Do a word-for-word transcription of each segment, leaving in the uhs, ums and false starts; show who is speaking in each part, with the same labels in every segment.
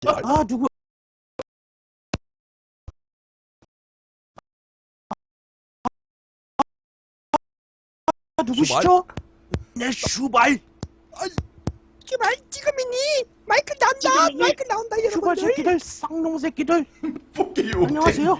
Speaker 1: 아 누구? 아, 누구시죠? 내 슈발.
Speaker 2: 슈발 지금이니? 마이크 나온다.
Speaker 1: 지금이니?
Speaker 2: 마이크 나온다
Speaker 1: 슈발
Speaker 2: 여러분들.
Speaker 1: 새끼들, 쌍놈 새끼들.
Speaker 3: 뽑기요.
Speaker 1: 안녕하세요.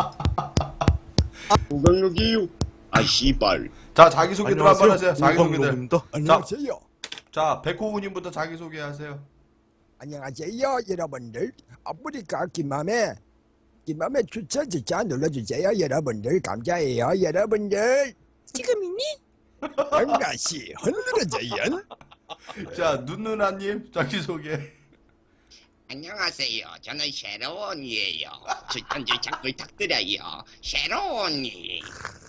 Speaker 4: 우강록이요. 아 씨발.
Speaker 3: 자, 자기소개들 한번 하세요. 자기소개들.
Speaker 2: 안녕하세요.
Speaker 3: 자, 백호우님부터 자기소개하세요.
Speaker 2: 안녕하세요 여러분들. 아프리카 김맘에 김맘에 추천 진짜 눌러주세요 여러분들. 감사해요 여러분들. 지금이니? 안가시 흔들어져요.
Speaker 3: 자, 눈누나님 자기소개.
Speaker 4: 안녕하세요. 저는 쉐로원이에요. 추천 추천 부탁드려요. 쉐로원이.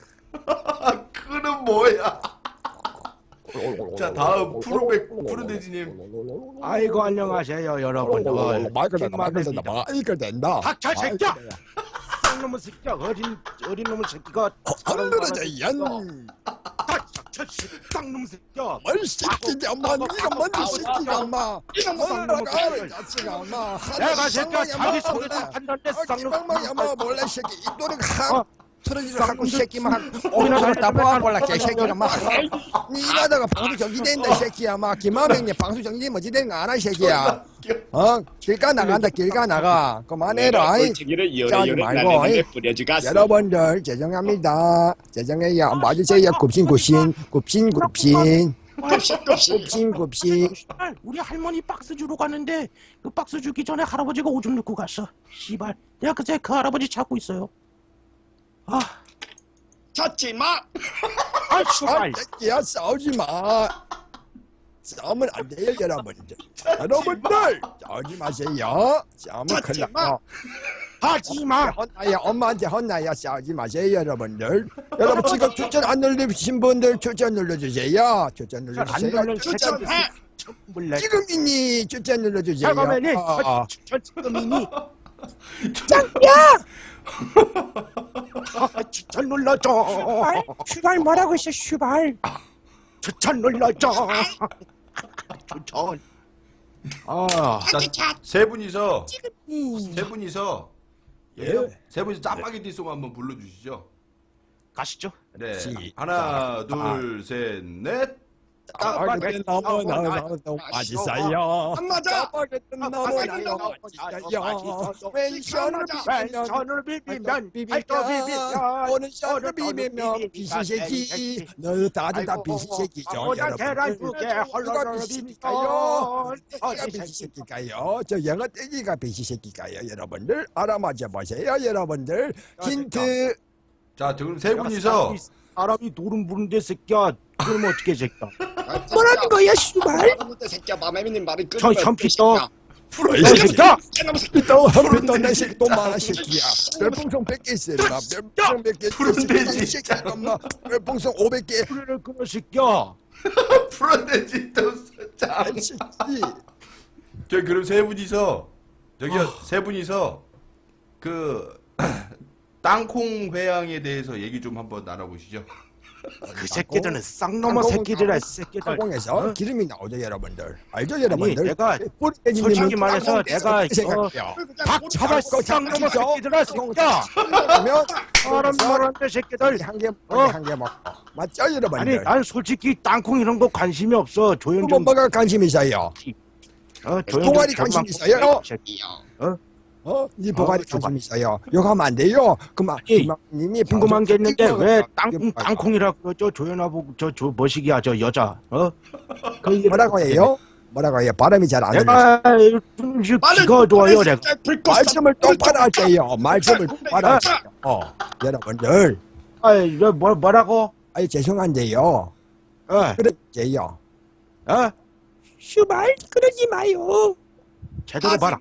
Speaker 3: 그는 뭐야? 자, 다음 푸르백 푸르돼지님.
Speaker 1: 아이고 안녕하세요 여러분들.
Speaker 2: 마이크 된다. 마이크 된다. 마이크 된다.
Speaker 1: 닥쳐 새끼야. 쌍놈의 새끼야. 어린 어린 놈의 새끼가.
Speaker 2: 흔들어져요.
Speaker 1: 닥쳐 쌍놈 새끼야.
Speaker 2: 뭘 새끼냐 마. 니가 뭔데 새끼가 마. 뭐라가 자식아 마.
Speaker 1: 내가 새끼야 자기 소개도 한다는데 쌍놈.
Speaker 2: 쌍놈이야 마. 몰래 새끼 입도는
Speaker 1: 어?
Speaker 2: 하. 틀어지를 하고 새끼만 오이나 다 뽑아볼라 개새끼가 막 니라다가 방수 정지된다 새끼야 막 김하명님 방수 정지 뭐지 되는 거 아나 새끼야 어 길가 나간다 길가 나가 그만해라
Speaker 4: 꼴찌기를
Speaker 2: 짜지
Speaker 4: 요래요래
Speaker 2: 말고,
Speaker 4: 나는
Speaker 2: 이.
Speaker 4: 데 뿌려주갔어.
Speaker 2: 여러분들 죄송합니다 죄송해요 맞으세요 굽신 굽신 굽신 굽신
Speaker 4: 굽신굽신.
Speaker 2: 굽신 굽신
Speaker 1: 씨발, 우리 할머니 박스 주러 갔는데 그 박스 주기 전에 할아버지가 오줌 넣고 갔어. 씨발, 내가 그새 그 할아버지 찾고 있어요. 아,
Speaker 4: 찾지 마.
Speaker 1: 아,
Speaker 2: 아
Speaker 1: 씨발.
Speaker 2: 새끼야 싸우지 마 싸우면 안 돼요 여러분들 여러분들 싸우지 마세요 싸우면 큰일 나
Speaker 1: 하지 마.
Speaker 2: 혼나야 엄마한테 혼나야 싸우지 마세요 여러분들 여러분 지금 추천 안 눌러주신 분들 추천 눌러주세요 추천
Speaker 1: 안
Speaker 2: 눌러주세요
Speaker 1: 눌러
Speaker 2: 추천
Speaker 4: 추천해.
Speaker 1: 몰래.
Speaker 2: 지금이니 추천 눌러주세요
Speaker 1: 잠깐만요.
Speaker 2: 어, 어.
Speaker 1: 지금이니.
Speaker 2: 짱야
Speaker 1: 추천 눌러줘.
Speaker 2: 슈발 뭐라고 했어 슈발
Speaker 1: 추천 눌러줘. 추천. 아,
Speaker 3: 자, 세 분이서
Speaker 2: 지금이
Speaker 3: 세 분이서
Speaker 2: 예.
Speaker 3: 세 분이서 짜파게티 송 한번 불러주시죠.
Speaker 1: 가시죠.
Speaker 3: 네.
Speaker 2: 시-
Speaker 3: 하나, 둘, 셋, 넷.
Speaker 2: 짜파게티 너무너무 맛있어요
Speaker 4: 안 맞아.
Speaker 2: 짜파게티 너무너무 맛있어요 왼손으로
Speaker 1: 왼손으로 비비면 발도 비비면
Speaker 2: 오른손으로 비비면 비시새끼 너 다들 다 비시새끼죠
Speaker 1: 오늘 계란 두개
Speaker 2: 누가
Speaker 1: 헐렁
Speaker 2: 비시새끼가요?
Speaker 1: 비비면
Speaker 2: 어디가 비시새끼가요? 저 영어 떼기가 비시새끼가요 여러분들 알아맞혀 보세요 여러분들 힌트
Speaker 3: 자, 그럼 세 분이서
Speaker 1: 사람이 노름 부른데 새끼야. 그럼 어떻게 새끼야?
Speaker 2: 뭐라는 거야 슈발
Speaker 4: 여러분들 새끼야 마매미님 말을
Speaker 1: 저
Speaker 4: 끊으면
Speaker 1: 현피도
Speaker 3: 풀어
Speaker 2: 이
Speaker 1: 너 새끼야.
Speaker 4: 새끼야 새끼.
Speaker 2: 또 한번더 내 새끼 또 말아 새끼야 별풍선 백 개 있어 임마 별풍선 백 개
Speaker 3: 푸른 돼지.
Speaker 2: 새끼야 엄마 별풍선 오백 개
Speaker 1: 그래 그래 새끼야.
Speaker 3: 풀어내지 또 짜.
Speaker 2: 이 새끼
Speaker 3: 저 그럼 세 분이서 저기요 세 분이서 그 땅콩 회양에 대해서 얘기 좀 한번 나눠보시죠.
Speaker 1: 그 새끼들은 쌍놈의 새끼들아 새끼들.
Speaker 2: 가공에서
Speaker 1: 어?
Speaker 2: 기름이 나오죠 여러분들 알죠
Speaker 1: 아니
Speaker 2: 여러분들
Speaker 1: 내가
Speaker 2: 뿌리님은
Speaker 1: 솔직히 말해서
Speaker 2: 땅콩
Speaker 1: 내가
Speaker 2: 떼서 생각해요
Speaker 1: 닥쳐봐 쌍놈의 새끼들아 새끼야.
Speaker 2: 그러면
Speaker 1: 사람 말하는데 새끼들.
Speaker 2: 한개
Speaker 1: 어?
Speaker 2: 한개 먹고 맞죠
Speaker 1: 아니
Speaker 2: 여러분들
Speaker 1: 난 솔직히 땅콩 이런 거 관심이 없어. 조용
Speaker 2: 뭐
Speaker 1: 좀.
Speaker 2: 뭐가 관심 있어요
Speaker 1: 어, 조용
Speaker 2: 동아리
Speaker 1: 좀
Speaker 2: 관심
Speaker 1: 좀
Speaker 2: 있어요?
Speaker 4: 새끼야.
Speaker 2: 어? 이 보가리
Speaker 1: 어,
Speaker 2: 관심 있어요 욕하면 안 돼요 그만
Speaker 1: 아니,
Speaker 2: 님이
Speaker 1: 궁금한 게 있는데 왜 땅,
Speaker 2: 방송
Speaker 1: 땅콩이라고 그러죠? 조연하고 저저 머시기야 저 여자. 어? 그
Speaker 2: 뭐라고 해요? 뭐라고 해요? 발음이 잘 안 들려요
Speaker 1: 내가 좀 귀가 좋아요 내가.
Speaker 2: 말씀을 똑바로 하세요 말씀을 똑바로 하세요 어 여러분들
Speaker 1: 아이 뭐 뭐라고?
Speaker 2: 아니 죄송한데요
Speaker 1: 어?
Speaker 2: 그러세요
Speaker 1: 어?
Speaker 2: 슈발 그러지 마요
Speaker 1: 제대로 봐라.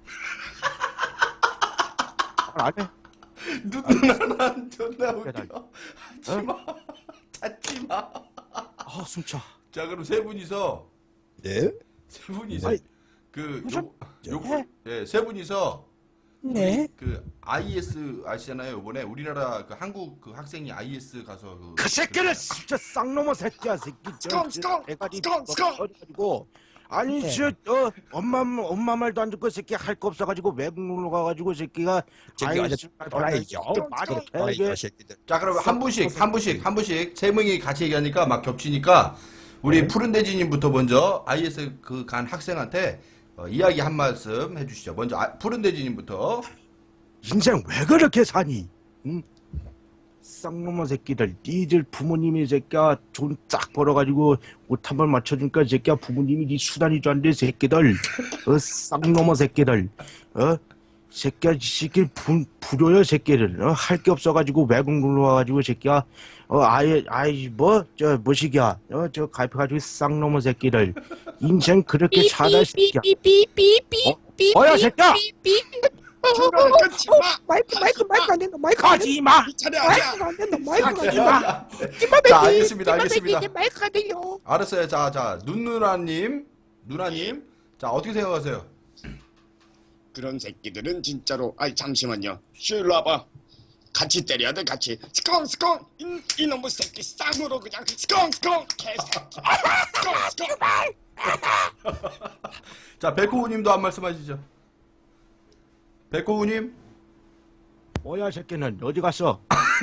Speaker 1: 안 해.
Speaker 3: 누나는 존나 웃겨. 하지마. 찾지마.
Speaker 1: 아 숨차.
Speaker 3: 자 그럼 세 분이서
Speaker 2: 네?
Speaker 3: 세 분이서
Speaker 1: 아니,
Speaker 3: 그
Speaker 1: 무슨-
Speaker 3: 요, 요, 예, 세 분이서
Speaker 2: 네?
Speaker 3: 그 아이에스 아시잖아요. 이번에 우리나라 그 한국 그 학생이 아이에스 가서 그,
Speaker 1: 그 새끼는 진짜 쌍놈의 새끼야 새끼.
Speaker 4: 스컹, 스컹,
Speaker 1: 대가리
Speaker 4: 스컹, 스컹.
Speaker 1: 가지고 아니
Speaker 2: 네.
Speaker 1: 저 어, 엄마 엄마 말도 안 듣고 새끼 할 거 없어가지고 외국 놀러 가가지고 새끼가
Speaker 2: 저기 어제 돌아야죠. 돌아야죠 새끼들.
Speaker 3: 자 그럼 한 분씩 한 분씩 한 분씩 세 명이 같이 얘기하니까 막 겹치니까 우리 푸른 돼지님부터 먼저 아이에스 그 간 학생한테 어, 이야기 한 말씀 해주시죠. 먼저 아, 푸른 돼지님부터.
Speaker 1: 인생 왜 그렇게 사니? 응? 쌍놈의 새끼들, 니들 부모님이 새끼야 돈 쫙 벌어가지고 옷 한 번 맞춰주니까 새끼야 부모님이 니 수단이 좋은데 새끼들, 어 쌍놈의 새끼들, 어 새끼야 이 새끼 부, 불효여 새끼들, 어 할 게 없어가지고 외국 놀러 와가지고 새끼야, 어 아예 아이 뭐저 뭐시기야, 어저 가입해가지고 쌍놈의 새끼들, 인생 그렇게 살아 새끼야. 어? 뭐야 새끼야?
Speaker 4: 중간에 끊지 마.
Speaker 2: 마이크 마이크 마이크 안 된다. 마이크 안 된다.
Speaker 1: 가지 마.
Speaker 4: 이 차례 아니야.
Speaker 2: 마이크 안 된다. 마이크 안
Speaker 1: 가지
Speaker 2: 된다.
Speaker 1: 마.
Speaker 3: 자 알겠습니다 알겠습니다.
Speaker 2: 마이크가 들려.
Speaker 3: 알았어요. 자자 눈누나님 누나님 자 어떻게 생각하세요?
Speaker 4: 그런 새끼들은 진짜로 아이 잠시만요. 슈일로 와봐. 같이 때려야 돼 같이. 스컹 스컹 이, 이놈의 새끼 쌍으로 그냥 스컹 스컹 개새끼. 스컹 스컹.
Speaker 3: 자 백호우님도 한 말씀 하시죠. 백호우님.
Speaker 1: 뭐야 새끼는 어디 갔어?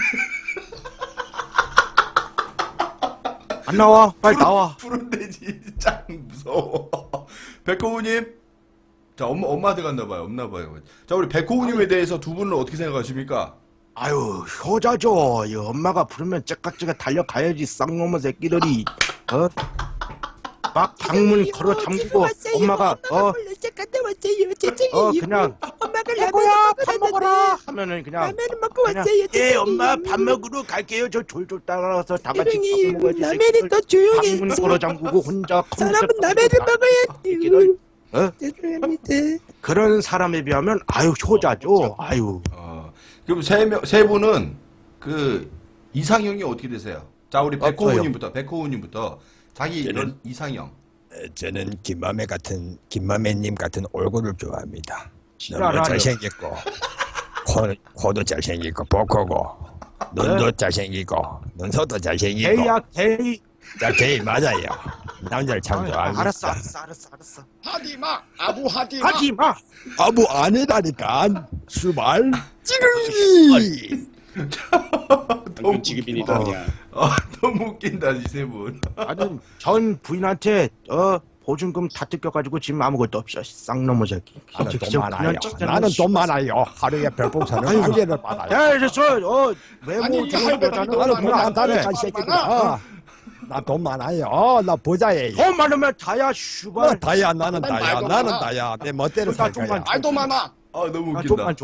Speaker 1: 안 나와 빨리 나와.
Speaker 3: 푸른 돼지 짱 무서워. 백호우님. 자 엄마 엄마한테 갔나봐요. 없나봐요. 자 우리 백호우님에 대해서 두 분은 어떻게 생각하십니까?
Speaker 1: 아유 효자죠. 이 엄마가 부르면 째깍째깍 달려가야지 쌍놈의 새끼들이. 어? 막 방문 걸어 잠그고 엄마가 어?
Speaker 2: 갔다 왔어요. 죄송해요.
Speaker 1: 어 그냥
Speaker 2: 엄마가
Speaker 1: 애고야 밥 먹어라 하면은 그냥
Speaker 2: 라면을 먹고
Speaker 1: 그냥
Speaker 2: 왔어요.
Speaker 1: 예
Speaker 2: 죄송해요.
Speaker 1: 엄마 밥 먹으러 갈게요. 저 졸졸 따라가서 다 같이
Speaker 2: 죄송해요.
Speaker 1: 밥 먹어야지.
Speaker 2: 라면이
Speaker 1: 새끼들.
Speaker 2: 더 조용해.
Speaker 1: 방문 걸어 잠그고 혼자
Speaker 2: 사람은
Speaker 1: 컴퓨터
Speaker 2: 라면을
Speaker 1: 다
Speaker 2: 먹어야지.
Speaker 1: 새끼들. 어?
Speaker 2: 죄송합니다.
Speaker 1: 그런 사람에 비하면 아유 효자죠. 아유.
Speaker 3: 어 그럼 세명세 분은 그 이상형이 어떻게 되세요? 자 우리
Speaker 1: 없어요.
Speaker 3: 백호우님부터 백호우님부터 자기
Speaker 2: 저는-
Speaker 3: 이런 이상형.
Speaker 2: 저는 김마매 같은 김마매님 같은 얼굴을 좋아합니다. 너무
Speaker 1: 알아요.
Speaker 2: 잘생겼고 코, 코도 잘생기고 복코고 눈도 잘생기고 눈썹도 잘생기고
Speaker 1: 게이야 게이.
Speaker 2: 자, 게이 맞아요. 남자를 참 좋아합니다.
Speaker 1: 알았어 알았어 알았어 알았어.
Speaker 4: 하디마 아부 하디마.
Speaker 1: 하지 마.
Speaker 2: 아무 아니라니까 수발 찌르기.
Speaker 4: 방금 지급인이다
Speaker 1: 어.
Speaker 4: 그냥.
Speaker 3: 아 너무 웃긴다 이 세 분.
Speaker 1: 아니 전 부인한테 어 보증금 다 뜯겨가지고 지금 아무것도 없어. 쌍놈의 새끼.
Speaker 2: 나는
Speaker 1: 진짜
Speaker 2: 돈 많아요.
Speaker 1: 그냥 진짜
Speaker 2: 나는
Speaker 1: 씨-
Speaker 2: 돈 많아요. 하루에 별풍선을 한 개를 받아요.
Speaker 1: 야 이래서 어 외모
Speaker 4: 아니,
Speaker 1: 좋은
Speaker 4: 할배들이
Speaker 1: 여자는
Speaker 4: 돈
Speaker 2: 나는
Speaker 4: 많아.
Speaker 2: 돈 많다니까
Speaker 4: 돈
Speaker 2: 이 새끼들.
Speaker 4: 많아.
Speaker 2: 어. 나 돈 많아요. 나 부자예요.
Speaker 1: 돈 많으면 다야
Speaker 2: 나
Speaker 1: 슈발.
Speaker 2: 다야 나는
Speaker 4: 난
Speaker 2: 다야
Speaker 4: 말도
Speaker 2: 나는
Speaker 4: 많아.
Speaker 2: 다야 내 멋대로
Speaker 1: 나
Speaker 2: 살
Speaker 1: 좀만
Speaker 2: 거야.
Speaker 1: 줘.
Speaker 4: 말도 많아.
Speaker 3: 아 너무
Speaker 1: 나
Speaker 3: 웃긴다.
Speaker 1: 좀만 줘.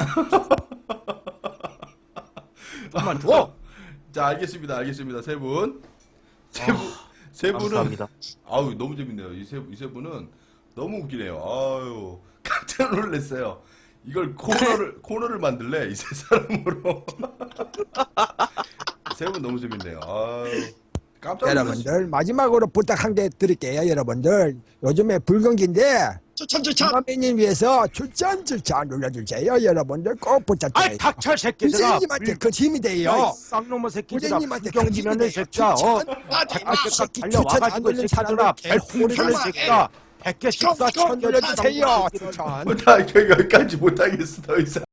Speaker 1: 좀만 줘.
Speaker 3: 자 알겠습니다 알겠습니다 세 분. 세 분. 세 분은
Speaker 1: 감사합니다.
Speaker 3: 아우 너무 재밌네요. 이 세 이 세 분은 너무 웃기네요. 아유 깜짝 놀랐어요. 이걸 코너를 코너를 만들래 이 세 사람으로. 세 분 너무 재밌네요. 아유 깜짝 놀랐어요.
Speaker 2: 여러분들 마지막으로 부탁 한 개 드릴게요. 여러분들 요즘에 불경기인데
Speaker 4: 추천 추천.
Speaker 2: 김마매님 위해서 추천 추천 눌러주세요. 여러분들 꼭
Speaker 1: 아이
Speaker 2: 부탁드려요.
Speaker 1: 닥쳐 새끼들아.
Speaker 2: 부장님한테 그 힘이 돼요.
Speaker 1: 야, 이 쌍놈의 새끼들아.
Speaker 2: 부장님한테 그
Speaker 1: 불경지면은
Speaker 2: 힘이 돼요.
Speaker 1: 새끼야. 어.
Speaker 2: 추천.
Speaker 4: 하디마.
Speaker 1: 아, 새끼
Speaker 2: 새끼
Speaker 1: 달려와가지고
Speaker 2: 추천 안 눌린
Speaker 1: 새끼들아.
Speaker 2: 사람을
Speaker 1: 별풍선을
Speaker 4: 개호리를
Speaker 1: 새끼야. 백 개씩 쏴
Speaker 4: 형,
Speaker 1: 천
Speaker 2: 눌러주세요. 추천.
Speaker 3: 나 여기까지 못하겠어 더 이상.